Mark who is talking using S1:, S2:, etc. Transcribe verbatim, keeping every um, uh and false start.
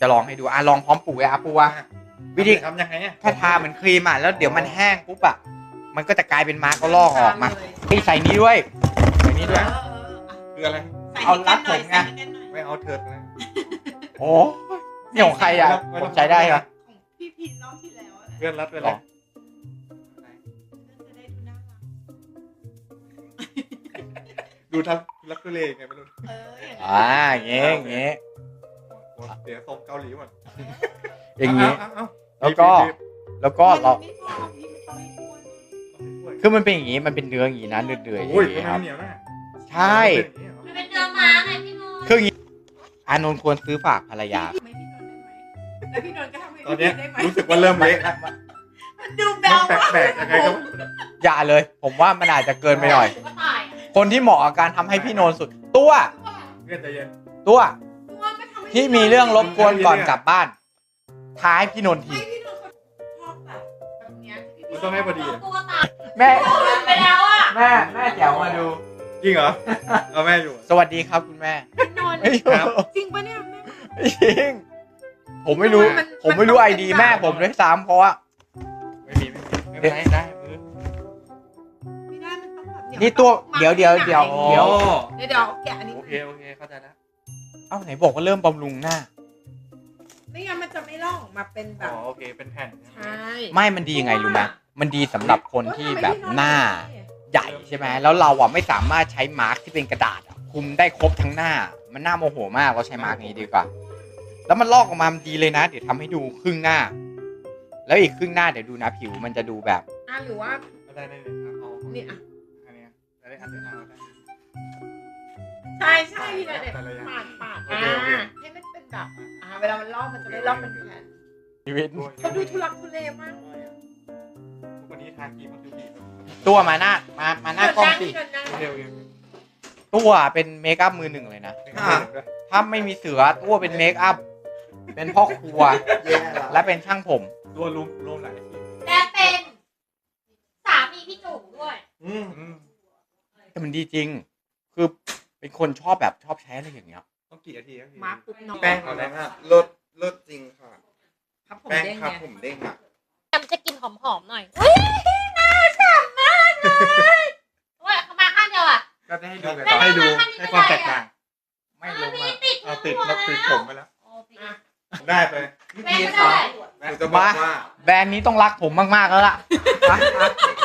S1: จะลองให้ดูอ่ะลองพร้อมปูเลยอ่ะปูอ่ะวิธี
S2: ทำยังไงอ่ะ
S1: แค่ทาเหมือนครีมอ่ะแล้วเดี๋ยวมันแห้งปุ๊บอ่ะมันก็จะกลายเป็นมาร์กก็ลอกออกมาพี่ใส่นี้ด้วยใส่นี้ด้วย
S2: คืออะไร
S1: เอารัดผมไง
S2: ไม่เอาเถิดนะ
S1: โอ้นี่ของใครอ่ะผมใช้ได้เหรอ
S3: ของพี่พีนรอบที่แล้ว
S2: เพื่อนรัดไปแล้ว
S3: จะได้ดูน่ารัก
S2: ดูทำรักทุเลไงไม่รู้
S3: เอออย่าง
S1: อ่าอย่างเงี้ยอย่างเงี้ย
S2: เดี๋ยวส่งเกาหลีหมด
S1: อย่างงี้
S2: เอ้า
S1: แล้วก็แล้วก็เรา
S3: ไม่พอพี่ไม่ต้องให้อ้วน
S1: คือมันเป็นอย่างงี้มันเป็นเนื้ออย่างงี้นะเดือดๆอย่าง
S2: โอ้ย
S1: งี้
S2: ทำไม
S1: ครับ
S2: เหนียวนะ
S1: ใช่
S4: มันเป็นเนื้อม้าไงพี่นนท์
S1: คืออย่างงี้อานนท์ควรซื้อฝากภรรยา
S3: ไม่พี่นนท์ได้ไหมแล้วพี่นนท์ก็ทำให้
S2: ตอน
S3: พี่
S2: เนี้ย
S3: ได้ไหม
S2: รู้สึกว่าเริ่มเละแล้ว
S3: มันดูแบ
S2: มัน
S3: ว
S2: แปลกๆยังไงก็
S1: อย่าเลย ผมว่ามันอาจจะเกินไปหน่อย
S4: ก็ตาย
S1: คนที่เหมาะกับการทำให้พี่โนนสุด ตัว
S2: เพื่อนใจเย็น
S1: ตัว
S3: ตัวก็ทำให้
S1: ที่มีเรื่องรบกวนก่อนกลับบ้านท้ายพี่โนนที
S3: ไม่พี่นนท์เขาชอบแบบแบบเนี้ยที่
S2: มัน
S3: พี่
S2: ต้องให้พอดี
S4: ตัวตาย
S1: แม่
S4: ไปแล้วอ่ะ
S1: แม่แม่แจ๋วมาดู
S2: จริงเหรอเอาแม่อยู่
S1: สวัสดีครับคุณแม่
S3: พี่นนท์
S1: ไม่
S2: ครับ
S3: จริงปะเนี่ยแม่
S1: จริงผมไม่รู้
S3: มัน
S1: ผมไม่รู้
S3: มัน
S1: ไอ
S3: ต้อง
S1: ดี
S3: เป็น
S1: แม่
S3: แบบ
S1: ผมด้วยซ้ำเพราะว่า
S2: ไม่มีไม่มีไม่เป็นไรได้มือ
S3: ไม่ได้มันต้องแบบเย
S1: นี่ตัวเดี๋ยวเดี๋ยวเดี๋ยว
S2: โอ้
S1: เดี๋ยว
S3: เดี๋ยวเดี๋ยวแกะอันนี้
S2: โอเคโอเคเข้าใจแล้ว
S1: เอ้าไหนบอกว่าเริ่มบำรุงหน้า
S3: ไม่งั้นมันจะไม่ลอกออกมาเป็นแบ
S2: อ๋
S3: บ
S2: อโอเคเป็นแผ่น
S3: ใช่
S1: ไม่มันดียังไงรู้ไหมมันดีสำหรับคนที่แบบหน้าใหญ่ใช่ไหมแล้วเราอ่ะไม่สามารถใช้มาร์กที่เป็นกระดาษอะคุมได้ครบทั้งหน้า มันน่าโมโหมากเราใช้มาร์กนี้ดีกว่า แล้วมันลอกออกมามันดีเลยนะ เดี๋ยวทำให้ดูครึ่งหน้า แล้วอีกครึ่งหน้าเดี๋ยวดูนะผิวมันจะดูแบบ
S3: อ่ะหรือว่า
S2: ได้ได้เลยเอา
S3: นี่อ่ะ
S2: อันนี้ได้อันนี้เอาได้
S3: ใช่ใช่พี่นนท์เนี่ย
S2: แต่ละอย่าง
S3: ปาดปาด
S2: โอ
S3: อ่า
S2: เคโอเค
S3: ให้มันเป็นแบบอ่าเวลามันลอกมันจะไม่ลอกเป็นแผ่น
S1: ชีวิต
S3: เขาดูทุลักทุเลมากเลยอะ
S2: วันนี้ทาครีมมันดูดี
S1: ตัวมาหน้ามามาหน้ากล้องสิ
S3: พี่นนท์นั่ง
S2: โอเคโอเค
S1: ตัวเป็นเมคอัพมือหนึ่งเลยนะ ถ้าไม่มีเสือตัวเป็นเมคอัพ เป็นพ่อครัว และเป็นช่างผม
S2: ตัวรวมรวมหลายที
S4: และเป็นสามีพี่จุ๋มด้วย
S2: อืมอืม
S1: แต่มันดีจริง คือเป็นคนชอบแบบชอบใช้อะไรอย่างเงี้ย
S2: ต้องกี่นาทีครับพี่
S3: มาปุ๊บน้อง
S5: แป้งเอาได้มากลดลดจริงค่ะ
S3: ครับผม
S5: แป้ง
S3: เด้ง
S5: ครับ
S3: ไง
S5: ผมเด้งอ่ะ
S4: แอมจะกินหอมๆหน่อยอุ้ยน่าฉ่ำมากเลยโอ้ยเขามาข้างเดียวอ่ะ
S2: ก็จะให้ดูกัน
S4: ไม่
S2: ให้ดู
S4: ไม่ไม่
S2: ให้ความแตกต่าง
S1: ไม่ลงมา
S4: ติด
S2: เอาติดแล้วติดผมไปแล้ว
S4: โอ้ติด
S2: ได้ไป
S4: แม่ก็ได้
S5: หนูจะบอกว่า
S1: แบรนด์นี้ต้องรักผมมากๆแล้วล่ะไป